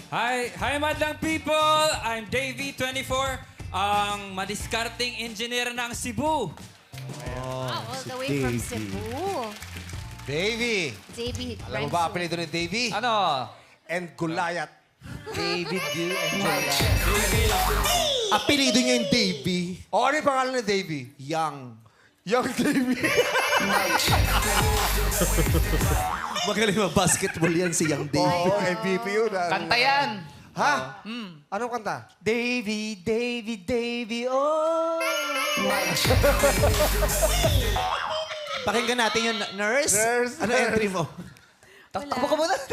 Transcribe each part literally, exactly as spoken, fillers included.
Hi, hi madlang people! I'm Davey, twenty-four, ang madiskarting engineer ng Cebu. Ah, all si the way from Davey. Cebu. Davey. Davey Alam mo ba apelido ni Davey? Ano? And Gulayat. David D. and Jola. Apelido niya yung Davey. O, ano yung pangalan ni Davey? Young. Young Davey. Magaling mag-basketball yan si Young Davey. Oo, M V P yun. ah. Kanta yan. Ha? Anong kanta? Davy, Davy, Davy, oh. Pakinggan natin yung nurse. Nurse, Ano nurse. entry mo? Takbo ka muna.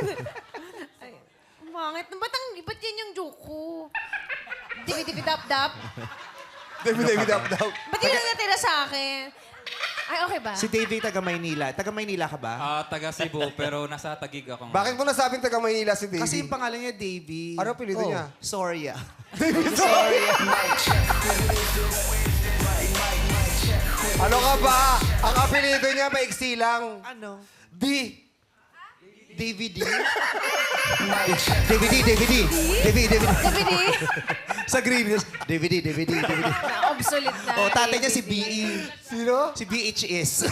Bakit? Ba't, ang, ba't yan yung joke ko? Dibi-dibi-dap-dap. Davey, Davey, dap, dap. Ba't yun ang natira sa akin? Ay, okay ba? Si Davey taga Maynila. Taga Maynila ka ba? Ah, taga Cebu, pero nasa Taguig ako. ngayon. Bakit mo nasabing taga Maynila si Davey? Kasi yung pangalan niya Davey. Ano apelido niya? Soria. Ano ka ba? Ang apelido niya maiksi lang. Ano? D. Davey D? Davey D, Davey D. Davey, Davey D. Dibi-di? Sa Green Hills. Davey D, Davey D, Davey D. Na-obsolete na. Oh, tatay niya si B E. Sino? Si B H S.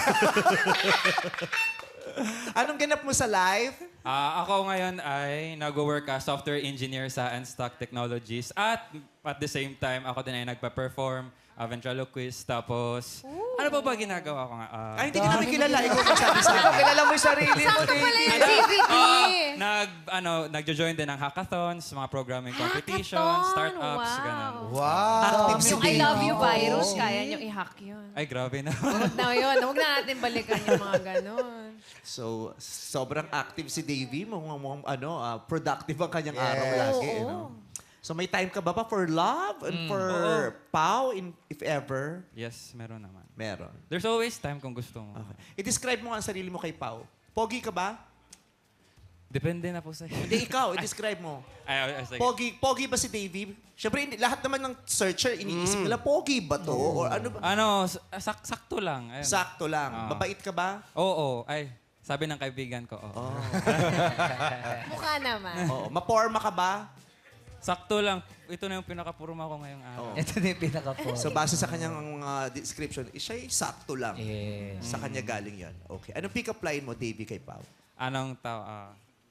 Anong ganap mo sa life? Ah, ako ngayon ay nag-work as software engineer sa Unstock Technologies at at the same time, ako din ay nagpa-perform, uh, ventriloquist, tapos... Ano pa ba ginagawa ko nga? Ah, Ay, hindi ka namin kilala. Ikaw magsabi sa akin. Kilala mo yung sarili mo, Sakto pala Davy. yung D V D. nag, ano, nagjo-join din ng hackathons, mga programming competitions, Hackathon, startups, wow. ganun. Wow. Active si Yung I Davey. love you virus, kaya nyo i-hack yun. Ay, grabe na. Huwag na yun. Huwag na natin balikan yung mga ganon. So, sobrang active si Davey. Mukhang, mukhang ano, ah, productive ang kanyang Yes. araw lagi. Oo. eh, no? So, may time ka ba pa for love and for pau, in, if ever? Yes, meron naman. Meron. There's always time kung gusto mo. Okay. I-describe mo nga ang sarili mo kay Pau. Pogi ka ba? Depende na po sa'yo. Hindi, ikaw. I-describe mo. Ay, ay, ay, sige. Pogi, pogi ba si Davey? Siyempre, hindi- lahat naman ng searcher, iniisip nila, pogi ba to? Or ano ba? Ano, sak sakto lang. Ayun. Sakto lang. Ah. Mabait ka ba? Oo, ay. Sabi ng kaibigan ko, oo. Mukha naman. Oo. Maporma ka ba? Sakto lang. Ito na yung pinakapurma ko ngayong araw. Oo. Ito na yung pinaka-po. So, base sa kanyang uh, description, eh, siya'y sakto lang. Yes. Sa kanya galing yan. Okay. Anong pick-up line mo, Davey, kay Pau? Anong tao? ah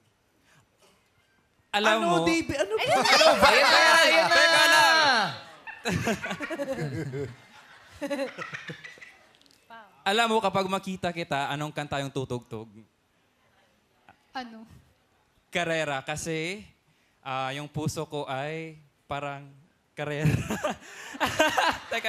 alam ano, mo, Davey? Ano ba? Ayan na! Ayan na! Teka lang. alam mo kapag makita kita, anong kanta yung tutugtog? Ano? Karera. Kasi ah, yung puso ko ay parang karera. teka.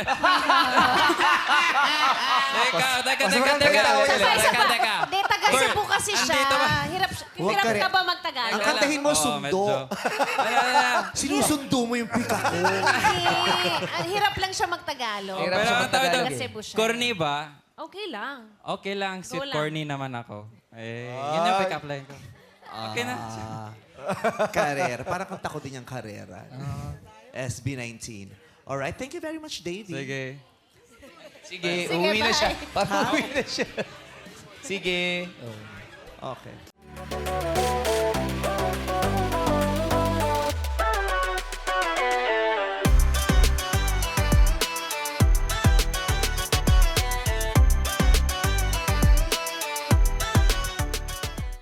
teka, teka, teka, teka. Teka, teka, teka. Hindi, taga Cebu kasi siya. Andito ba? Hirap, Huwag hirap ka rin. ka ba magtagalog? Ang kantahin mo, Oo, sundo. medyo. Ano, ano, ano. Sinusundo mo yung pika ko. Hindi. Ang hirap lang siya magtagalog. Hirap Pero siya ang tawag magtagalog doon, Taga Cebu siya. corny ba? Okay lang. Okay lang, sweet lang. corny naman ako. Eh, yun yung pick-up line ko. Okay na. Ah, karera. Parang kanta ko din yung karera. S B nineteen. Alright, thank you very much, Davey. Sige. Sige, Sige, uwi na bye. siya. Parang uwi na siya. Sige. Okay.